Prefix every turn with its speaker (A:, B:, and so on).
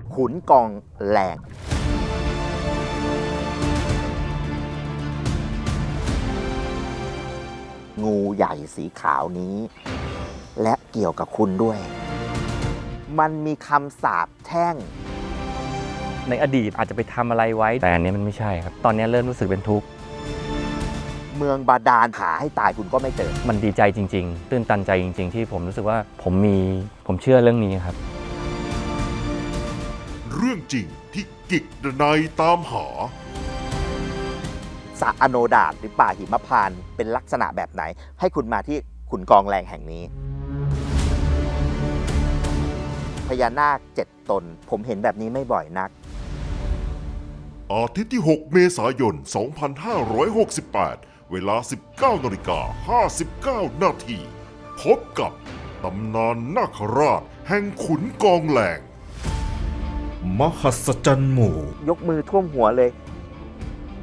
A: ขุนกองแหลงงูใหญ่สีขาวนี้ และเกี่ยวกับคุณด้วย มันมีคำสาปแช่ง
B: ในอดีตอาจจะไปทำอะไรไว้แต่อันนี้มันไม่ใช่ครับตอนนี้เริ่มรู้สึกเป็นทุกข์
A: เมืองบาดาลหาให้ตายคุณก็ไม่เจอ
B: มันดีใจจริงๆตื้นตันใจจริงๆที่ผมรู้สึกว่าผมเชื่อเรื่องนี้ครับ
C: เรื่องจริงที่กิกดนัยตามหา
A: สระอโนดาตหรือป่าหิมพานต์เป็นลักษณะแบบไหน ให้คุณมาที่ขุนกองแหลงแห่งนี้ พญานาค7 ตน ผมเห็นแบบนี้ไม่บ่อยนัก
C: อาทิตย์ที่ 6 เมษายน 2568 เวลา 19:59 นาที พบกับตำนานนาคราชแห่งขุนกองแหลง
D: มหัศจรรย์หมู่
A: ยกมือท่วมหัวเลย